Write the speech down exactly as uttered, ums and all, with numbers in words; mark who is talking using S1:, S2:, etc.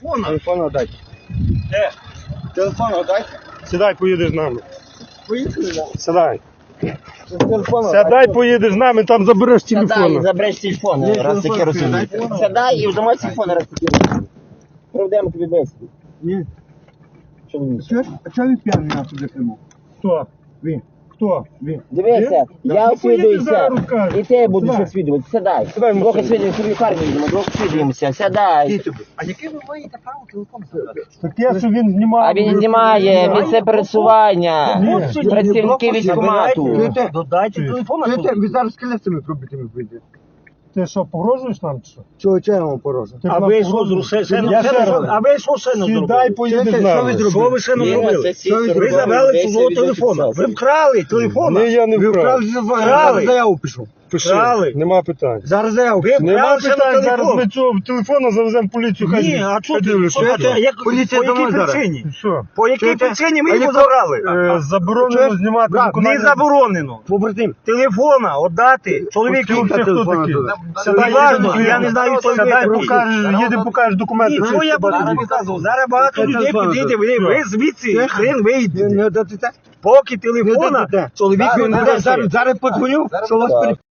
S1: Телефон дайте.
S2: Де?
S1: Телефон дайте.
S2: Сідай, поїдеш з нами.
S1: Поїхали, да.
S2: Сідай.
S1: Телефон
S2: Сідай, поїдеш з нами, там забереш
S3: Сядай і
S2: телефон.
S3: забереш телефон,
S1: Ні,
S3: раз
S1: телефон
S3: таке розумієш.
S1: сядай.
S3: Сядай і взимай телефон, раз таке розумієш. Проведемо тобі бесіду.
S1: Ні.
S3: Що ви мені?
S1: Чого- А чого ви п'яний нас туди прямо?
S2: Хто?
S1: Ви.
S2: Хто?
S1: Ви.
S3: Дивися,
S2: Да.
S3: я
S2: Ну,
S3: освідуюся,
S2: поїдеш зараз, розкажеш.
S3: і ти будеш
S2: Сідай.
S3: освідувати. Сядай.
S2: Сідай в
S3: Двох
S2: машину.
S3: освідуємося, в лікарню йдемо, двох освідуємося. Сядай.
S1: А яке ви маєте право телефон забрати?
S2: Таке, що він знімав.
S3: А він знімає місце пересування.
S2: Ні.
S3: Працівники військкомату.
S1: Чуєте?
S2: Додайте телефон.
S1: Чуєте? Ви зараз колесами пробитими вийдете.
S2: Ти що, погрожуєш нам чи що?
S1: Чого чого я вам порожу?
S2: Ти
S4: А
S2: нам
S4: ви що
S2: погрожуєш?
S4: зрушили? Ще
S2: Я
S4: не-
S2: ще
S4: ще
S2: раз.
S4: не- А ви що ще не
S2: Сідай,
S4: зробили?
S2: поїдеш з
S1: Що ви
S2: нами.
S1: зробили?
S4: Що ви ще не зробили? Ви забрали чужого телефона. Ви вкрали телефона.
S2: Ні, я не
S1: Ви
S2: вкрав.
S1: вправді телефон,
S4: Вкрали.
S1: зараз заяву пишу.
S2: Пиши,
S4: Вкрали.
S2: нема питань.
S1: Зараз заяву.
S4: Ви
S2: Нема
S4: вкрали ще на
S2: питань, зараз
S4: телефон.
S2: ми цього телефона завеземо в поліцію. хай
S4: Ні,
S2: він-
S4: а
S2: хай
S4: чого ти?
S2: дивляться.
S4: Що ти? Як-
S1: Поліція
S4: По якій
S1: домой зараз.
S4: причині?
S2: Що?
S4: По якій
S1: Чуєте?
S4: причині ви
S1: А
S4: його
S1: яко-
S4: забрали?
S2: Е, Заборонено
S1: Чуєш?
S2: знімати
S1: Брат,
S4: Не
S2: виконання.
S4: заборонено.
S1: Побратим.
S4: Телефона віддати чоловіку.
S2: Хто
S1: Скільки
S2: хто
S1: телефона
S2: такий?
S1: туди?
S2: Сідай,
S4: Важно,
S2: їдемо,
S4: я не знаю, хто
S2: Сідай,
S4: ви.
S2: покажеш, їдемо, покажеш документи.
S4: Ні,
S2: всі,
S4: що я
S2: щоб
S4: буду
S2: бачили.
S4: показувати? Зараз багато
S1: Це
S4: людей
S1: телефон
S4: підійде,
S1: тут.
S4: ви, ви звідси, хрен
S1: Не,
S4: вийдете.
S1: не дадите?
S4: Поки
S1: Не
S4: телефона,
S1: дадите?
S4: чоловік
S1: Зараз-
S4: він не
S1: зараз-
S4: дає.
S1: Зараз зараз подзвоню, що вас пере...